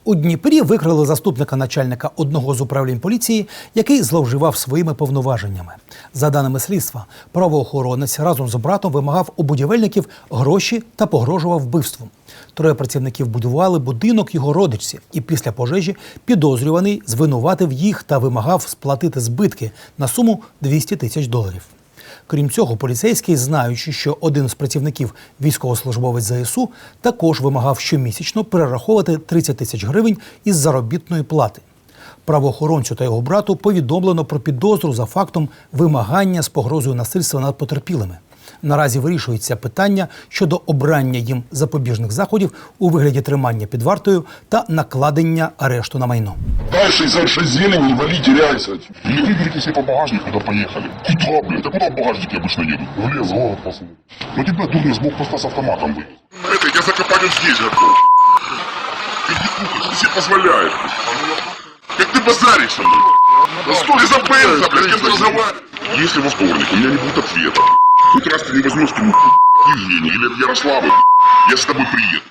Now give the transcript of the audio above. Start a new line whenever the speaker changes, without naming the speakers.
У Дніпрі викрили заступника начальника одного з управлінь поліції, який зловживав своїми повноваженнями. За даними слідства, правоохоронець разом з братом вимагав у будівельників гроші та погрожував вбивством. Троє працівників будували будинок його родичці, і після пожежі підозрюваний звинуватив їх та вимагав сплатити збитки на суму $200 тисяч. Крім цього, поліцейський, знаючи, що один з працівників, військовослужбовець ЗСУ, також вимагав щомісячно перераховувати 30 тисяч гривень із заробітної плати. Правоохоронцю та його брату повідомлено про підозру за фактом вимагання з погрозою насильства над потерпілими. Наразі вирішується питання щодо обрання їм запобіжних заходів у вигляді тримання під вартою та накладення арешту на майно.
Дай 66 зелени, вали, теряйся.
Или выберите себе по багажнику, да поехали. Куда, блядь? А куда багажники обычно едут?
В лес, в город посмотри.
Ну тебя дурный с блокпоста с автоматом вывез.
Это я закопаю здесь готов. Ты не кухаешь, ты себе позволяешь. Как ты базаришь со мной? Да стой за Бенза, блядь, с кем ты разговариваешь? Если во вторник у меня не будет ответа, хоть раз ты не возьмешь к нему Евгений или от Ярослава, я с тобой приеду.